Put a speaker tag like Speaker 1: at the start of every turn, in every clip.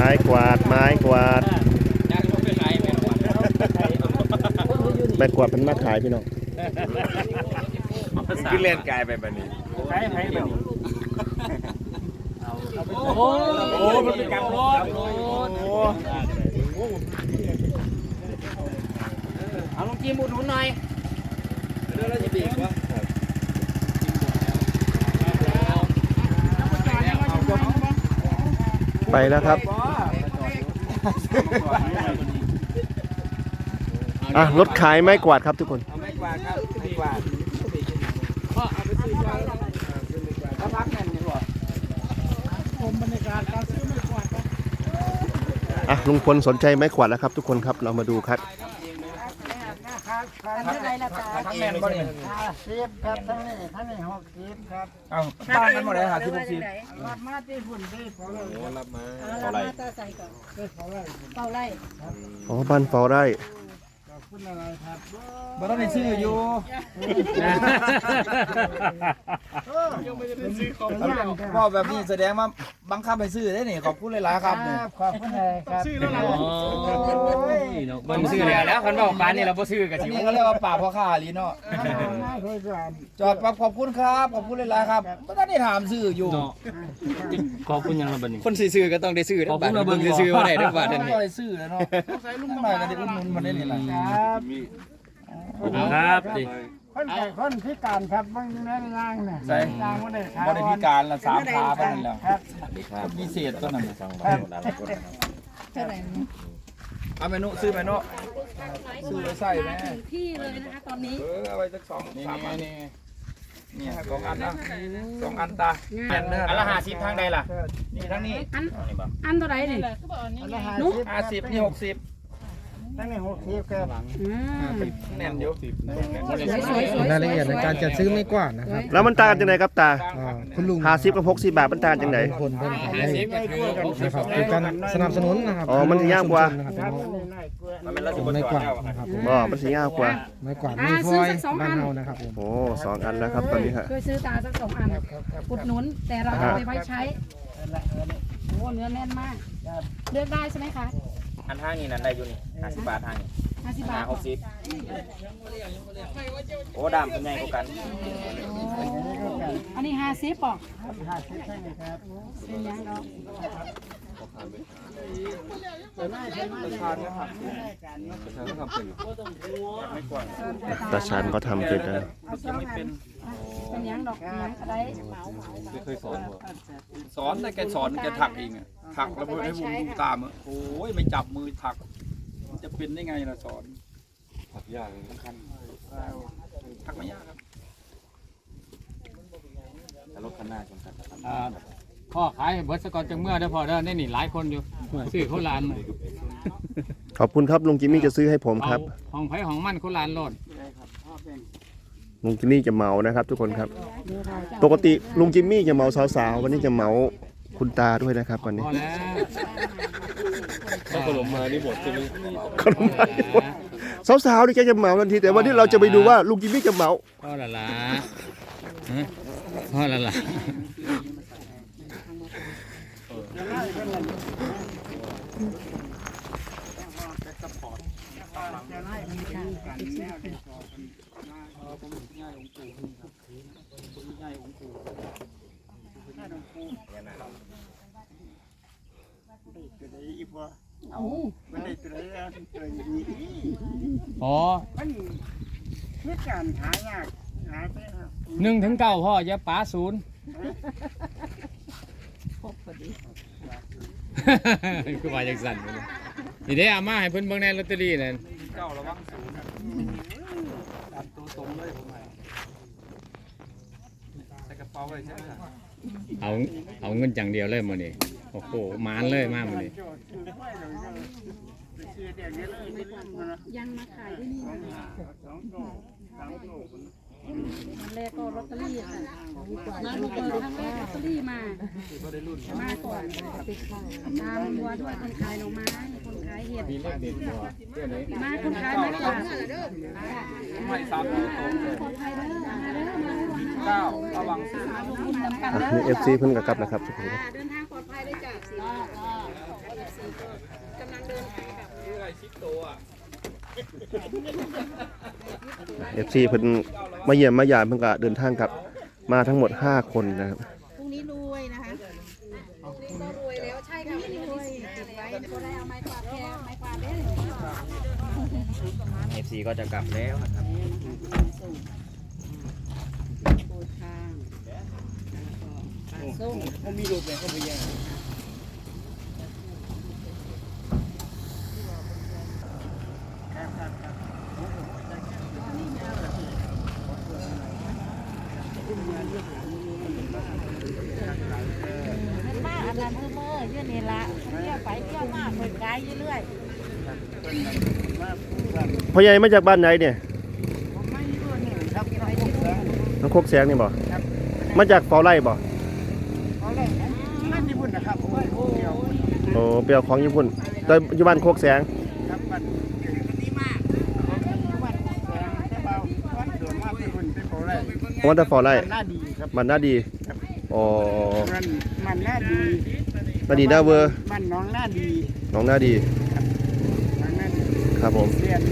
Speaker 1: ม้กวาดไม้กวาดไม้กวาดเป็นมาขายพี่น้อง
Speaker 2: ขึ้นเล่นกายไปแบบนี้โอ้มันเป็นการรถเอาลงจิ้มอุดหนุนหน่อยเดี๋ยวเราจะบีบวะ
Speaker 1: ไปแล้วครับรถขายไม้กวาดครับทุกคน
Speaker 2: ไม้กวาดครับไม้กวาดเอาไปซื้อแล้วพักแน่นนี่หรอผมบรรยากาศการซื้อไม้กวาดครับ
Speaker 1: ลุงพลสนใจไม้กวาดแล้วครับทุกคนครับเรามาดูครับ
Speaker 2: ทั้งแน่นบ่เนี่ย
Speaker 3: 50ครับทั้งนี้60ครับ
Speaker 2: เอาบ้านกันหมดเลยหาที่60
Speaker 3: รับมาที่ฝุ่นได้พอเลย
Speaker 2: รับมา
Speaker 4: เฝ้าไร่เฝ้าไร่
Speaker 1: บ้านเฝ้าไร่
Speaker 3: ขอบคุณอะไรครับ
Speaker 2: บ่ต้องไปซื้ออยู่ก็แบบนี้แสดงว่าบังคับไปซื้อได้นี่ขอบคุณหลายๆครับนี่
Speaker 3: ขอบคุณเลยครับซื้อแล้ว
Speaker 2: มันซื้อแล้วคันว่าปานนี่เราบ่ซื้อกันสินี่เขาเรียกว่าป่าพ่อค้าลีเนาะจอดปั๊บขอบคุณครับขอบคุณหลายๆครับบ่ทันได้ถามซื้ออยู่
Speaker 5: ขอบคุณยังละบัดนี้
Speaker 2: คนซื้อก็ต้องได้ซื้อขอบคุณมาเบิ่งซื้อบ่ได้เด้อบัดนี้ต้องได้ซื้อแล้วเนาะใส่ลุงหน่อยก็ได้อุดหนุนมันได้นี่ล่ะ
Speaker 5: ครับ
Speaker 3: คนพิการครับบางแม่ล่างน่ะล่างบ่ได้ขา
Speaker 2: บ่ได้พิการละ3ขาปานนั้นแล้วครับพิเศษตัวนั้นน่ะ
Speaker 4: เท่าไหร่
Speaker 2: เอาเมนูซื้อเมนูซื้อใส่แม่
Speaker 4: พี่เลยนะคะตอนนี้
Speaker 2: เอาไว้สัก2-3อันนี่ครับ2อันนะ2อันตาอันละ50ทางใดล่ะนี่ทางนี้
Speaker 4: อันเท่าไหร่นี่
Speaker 2: 50นี่60
Speaker 3: ทั้งนี้60ครับ
Speaker 2: แน่นอยู่
Speaker 3: รายละเอียดในการจัดซื้อไม่กว้างนะครับ
Speaker 1: แล้วมันต่างกันยังไงครับตา
Speaker 3: คุณลุง
Speaker 1: 50กับ60 บาทมันต่างกันยังไง
Speaker 3: คนเพิ่นขายนะครับคือการสนับสนุนนะครับ
Speaker 1: มันสิยากกว่า
Speaker 3: ไม่กว้างนะครับ
Speaker 1: มันสิยากกว่า
Speaker 3: ไม่กว้างไม่พอยบ้านเฮานะครับผม
Speaker 1: 2 อันแล้วครับตอนนี้ฮะ
Speaker 4: เคยซื้อตาสัก2 อันอุดหนุนแต่เราเอาไปไว้ใช้เนื้อแน่นมากเลือกได้ใช่ไหมคะ
Speaker 2: อันทางนี้นั่นได้อยู่นี่50 บาททางนี้
Speaker 4: 50 บาท
Speaker 2: 60โอ้ดำเป็นไงกว่ากัน
Speaker 4: อันนี้50ป่ะ
Speaker 3: 50ใช่ไหมครับ
Speaker 4: เป็นยังเนาะ
Speaker 1: ตาชานก็ทำเป็นนะ
Speaker 4: เป็นยังดอกยังอะไร
Speaker 2: ไม่เคยสอนแต่แกสอนแกถักเองอะถักแล้วให้วงดูตามโอ้ยไม่จับมือถักจะเป็นได้ไงล่ะสอนถักยากสำคัญถักไม่ยากครับรถคันหน้าสำคัญ
Speaker 5: พ่อขายเบิร์สกอตจังเมื่อได้พอได้นี่นี่หลายคนอยู่ซื้อเขาลาน
Speaker 1: ขอบคุณครับลุงจิมมี่จะซื้อให้ผมครับ
Speaker 5: ห้องไผ่ห้องมั่นเขาลานโลด
Speaker 1: ลุงจิมมี่จะเมานะครับทุกคนครับปกติลุงจิมมี่จะเมาสาวๆวันนี้จะเมาคุณตาด้วยนะครับวันนี้
Speaker 5: ถ้าขนมมานี่หมดใช่ไหม
Speaker 1: ขนมมาสาวๆนี่แกจะเมาทันทีแต่วันนี้เราจะไปดูว่าลุงจิมมี่จะเมา
Speaker 5: พ่อละ
Speaker 3: มันคิดการหายากหายไป
Speaker 5: 1-9พ่ออย่าป๋า0คือว่าจังสั่นนี่ได้อามาให้เพิ่นเบิ่งในลอตเตอรี่นั่น
Speaker 2: 9ระวัง0ตามตัวตรงเลยผมใส่กระเป๋าไว้ใช่ไหม
Speaker 5: เอาเงินจังเดียวเลยมื้อนี้โอ้โหมานเลยมากมื้อนี้
Speaker 4: ยังมาขายที่นี่วันแรกก็ลอตเตอรี่ค่ะมาดูเปิดครั้งแรกลอตเตอรี่มาก่อนตามวัวด้วยคนขายหน่อไม้คนขายเห็ดมาคนขายไม่กวาด
Speaker 2: ไม่ซ้ำตัวตรง9ระวัง
Speaker 1: นี่FCเพิ่งกลับนะครับทุกคน
Speaker 4: เดินทางปลอดภัยได้จ้ะกำลังเดินทางกลับ
Speaker 2: คืออะไรชิปโตอ่ะ
Speaker 1: FC เพิ่นมาเยี่ยมมายามเพิ่นก็เดินทางกลับมาทั้งหมด5คนนะครับ
Speaker 6: พรุ่งนี้รวยนะคะ
Speaker 4: นี่ก็รวยแล้วใช่ค่ะรวยเก็บไว้ก็ได้เอาไม้กวาดแค่ไม้กวาดได้
Speaker 5: FC ก็จะกลับแล้วนะครับ
Speaker 6: โปรทางปลาส้ม
Speaker 3: ผมมีรูปแบบก็ไปแย่
Speaker 6: มันมากอันนั้นคือเมื่อเยอะนี่ละเที่ยวไปเที่ยวมาคนไกลเรื่อย
Speaker 1: พ่อใหญ่มาจากบ้านไหนเนี่ย
Speaker 3: ผมไม่รู้นี่ครับน้องแสง
Speaker 1: น้องโคกแสงนี่บ่มาจากเฝ้าไร่บ่
Speaker 3: เขาเลยนั่นที่พุ่นนะครับผมเดียว
Speaker 1: โอ้เปรียวของญี่ปุ่นแต่อยู่บ้านโคกแสง
Speaker 3: ครับมันดีมากผมอยู่บ้านแสงแต่เบาวันโดนมาที่พุ่นที่เขาเลย
Speaker 1: ผมว่าแต่เฝ้าไร่
Speaker 3: มันน่าดีครับ
Speaker 1: มันน่าดีอ๋อ
Speaker 3: มันน่าดี
Speaker 1: น่าดีน่าเวอร์
Speaker 3: มันน้องน่าดี
Speaker 1: น้องน่าดี
Speaker 3: น้องน่าดี
Speaker 1: ครับผม
Speaker 3: เสียน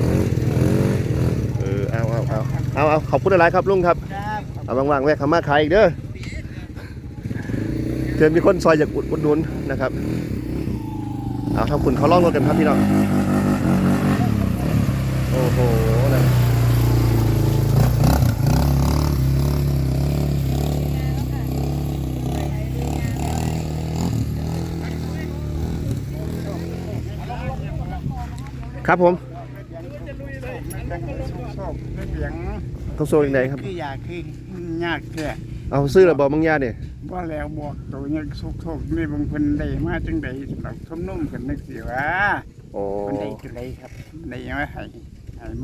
Speaker 1: เอาขอบคุณหลายๆครับลุงครับ
Speaker 3: ครับ
Speaker 1: เอาว่างๆแวะเข้ามาขายอีกเด้อเตือนมีคนซอยจากอุดหนุนนะครับเอาทำคุณเขาล่องรถกันครับพี่น้องโอ้โหนะครับผม
Speaker 3: มันเป็นสุกโศกเป็นเสียง
Speaker 1: ต้องโซ่ยังไงครับ
Speaker 3: คืออยากคือยากแค่
Speaker 1: เอาซื้อระบอบางยาเนี่ย
Speaker 3: ว่าแล้วบอกตัวยังสุกโศกนี่บางคนได้มาจังใดสำหรับทุ่มนุ่มกันนึกสิว่า
Speaker 1: โอ้
Speaker 3: คนใดคือไรครับได้ยังไม่ให้มา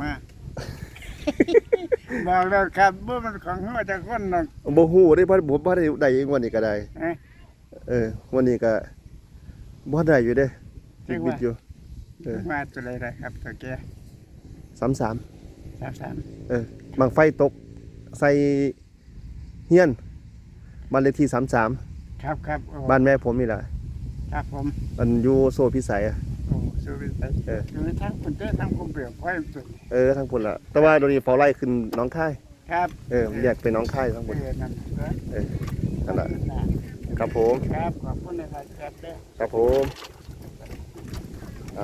Speaker 3: บอกแล้วครับเมื่อมันของเขาจะคนนึง
Speaker 1: บ่ฮู้ได้เพราะผมบ่ได้ได้อีกวันนี้ก็ได้
Speaker 3: เอ๊ะ
Speaker 1: วันนี้ก็บ่ได้อยู่เด้ติดบิดอยู่
Speaker 3: มาตัวไรได้ครับตัวแก
Speaker 1: 33
Speaker 3: สาม
Speaker 1: บางไฟตกใส่เฮียนบ้านเลขที่33
Speaker 3: ครับครับโอ้
Speaker 1: บ้านแม่ผมนี่แหละ
Speaker 3: ครับผม
Speaker 1: มันอยู่โซพิสัยอะ
Speaker 3: โอ้สู้ไปใส่อยู่ในทั้งคนเจ้ทั้งคนเปลี่ยวค่อยสุด
Speaker 1: ทางพุ่นละแต่ว่าโดนนี้เฝ้าไล่ขึ้นหน้องค่าย
Speaker 3: ครับ
Speaker 1: แยกเป็นหน้องค่ายทั้งหมด
Speaker 3: นั่น
Speaker 1: นั่นแหละครับผม
Speaker 3: ครับขอบคุณนะครับครับเด้อ
Speaker 1: ครับผมเอา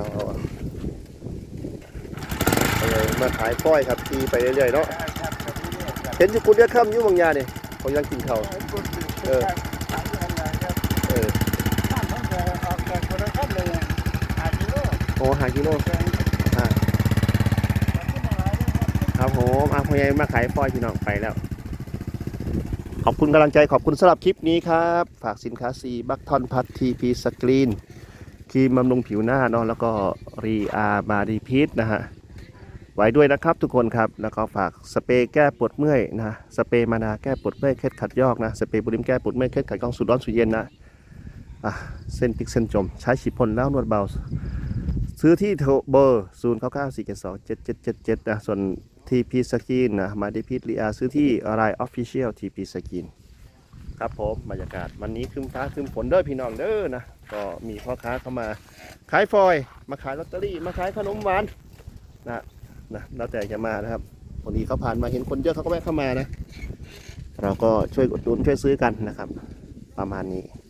Speaker 1: เลยมาขายก้อยครับทีไปเรื่อยๆเนาะ
Speaker 3: ครับครับ
Speaker 1: เห็นอยู่คุณเรียกค่ำอยู่บางยาเนี่ยเขายังกินข้าว
Speaker 3: เออครับ
Speaker 1: เออ
Speaker 3: ท่านต้องออกจากคนละครับเลย5 กิโล
Speaker 1: โอ้5 กิโลครับผมพอใหญ่มาขายก้อยพี่น้องไปแล้ว ขอบคุณกำลังใจขอบคุณสำหรับคลิปนี้ครับ ฝากสินค้าซีบัคทอนพัททีพีสกรีนครีมบำรุงผิวหน้าเนาะแล้วก็รีอาร์บาดีพีทนะฮะไว้ด้วยนะครับทุกคนครับแล้วก็ฝากสเปรย์แก้ปวดเมื่อยนะสเปรย์มานาแก้ปวดเมื่อยเคล็ดขัดยอกนะสเปรย์บุริมแก้ปวดเมื่อยเคล็ดขัดกล้องสูดร้อนสูดเย็นนะเส้นพิกเส้นจมใช้ฉีดพ่นแล้วนวดเบาซื้อที่เบอร์0947277777นะส่วนทีพีสกินนะมาดีพีทรีอาร์ซื้อที่ไลน์ออฟฟิเชียลทีพีสกินครับผมบรรยากาศวันนี้ครึ้มฟ้าครึ้มฝนเด้อพี่น้องเด้อนะก็มีพ่อค้าเข้ามาขายฟอยล์มาขายลอตเตอรี่มาขายขนมหวานนะแล้วแต่จะมานะครับวันนี้เขาผ่านมาเห็นคนเยอะเขาก็แวะเข้ามานะเราก็ช่วยอุดหนุนช่วยซื้อกันนะครับประมาณนี้